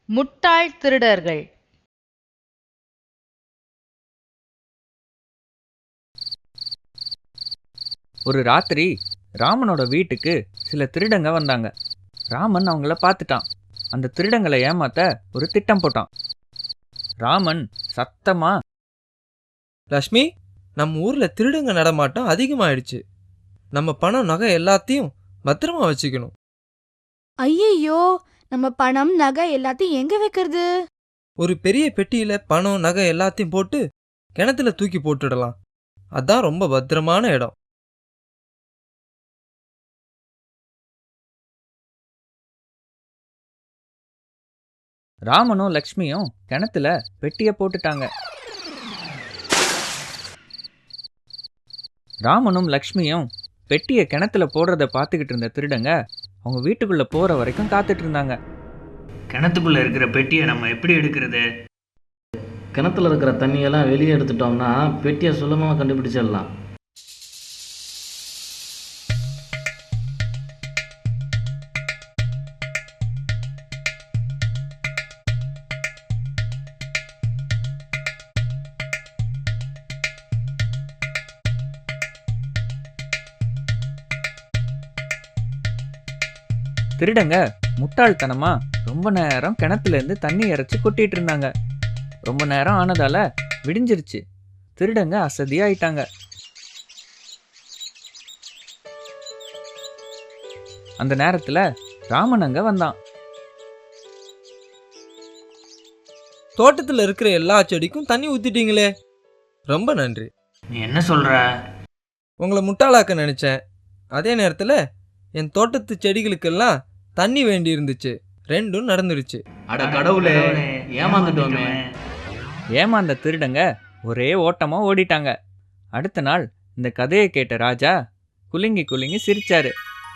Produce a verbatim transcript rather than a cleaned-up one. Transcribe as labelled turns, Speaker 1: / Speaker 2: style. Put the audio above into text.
Speaker 1: முட்டாள் திருடர்கள்.
Speaker 2: ஒரு ராத்திரி ராமனோட வீட்டுக்கு சில திருடங்க வந்தாங்க. ராமன் அவங்கள பார்த்துட்டான். அந்த திருடங்களை ஏமாத்த ஒரு திட்டம் போட்டான். ராமன் சத்தமா,
Speaker 3: லக்ஷ்மி, நம்ம ஊர்ல திருடுங்க நடமாட்டம் அதிகமாயிடுச்சு. நம்ம பணம் நகை எல்லாத்தையும் பத்திரமா வச்சுக்கணும்.
Speaker 4: ஐயையோ, நம்ம பணம் நகை எல்லாத்தையும் எங்க வைக்கிறது?
Speaker 3: ஒரு பெரிய பெட்டியில பணம் நகை எல்லாத்தையும் போட்டு கிணத்துல தூக்கி போட்டுடலாம். அதான் ரொம்ப பத்திரமான இடம்.
Speaker 2: ராமனும் லக்ஷ்மியும் கிணத்துல பெட்டியை போட்டுட்டாங்க. ராமனும் லக்ஷ்மியும் பெட்டியை கிணத்துல போடுறத பார்த்துக்கிட்டு இருந்த திருடங்க அவங்க வீட்டுக்குள்ள போற வரைக்கும் காத்துட்டு இருந்தாங்க.
Speaker 5: கிணத்துக்குள்ள இருக்கிற பெட்டியை நம்ம எப்படி எடுக்கிறது?
Speaker 6: கிணத்துல இருக்கிற தண்ணியெல்லாம் வெளியே எடுத்துட்டோம்னா பெட்டியை சுலபமாக கண்டுபிடிச்சிடலாம்.
Speaker 2: திருடங்க முட்டாள்தனமா ரொம்ப நேரம் கிணத்துல இருந்து தண்ணி இறைச்சி கொட்டிட்டு இருந்தாங்க. ரொம்ப நேரம் ஆனதால விடிஞ்சிருச்சு. திருடங்க அசதியாயிட்டாங்க. அந்த நேரத்துல ராமன் அங்க வந்தான்.
Speaker 3: தோட்டத்துல இருக்கிற எல்லா செடிக்கும் தண்ணி ஊத்திட்டீங்களே, ரொம்ப நன்றி.
Speaker 5: நீ என்ன சொல்ற?
Speaker 3: உங்களை முட்டாளாக்க நினைச்சேன். அதே நேரத்துல என் தோட்டத்து செடிகளுக்கெல்லாம் தண்ணி வேண்டி இருந்துச்சு. ரெண்டும் நடந்துருச்சு.
Speaker 6: அட கடவுளே, ஏமாந்துட்டோமே.
Speaker 2: ஏமாந்த திருடங்க ஒரே ஓட்டமா ஓடிட்டாங்க. அடுத்த நாள் இந்த கதையை கேட்ட ராஜா குலுங்கி குலுங்கி சிரிச்சாரு.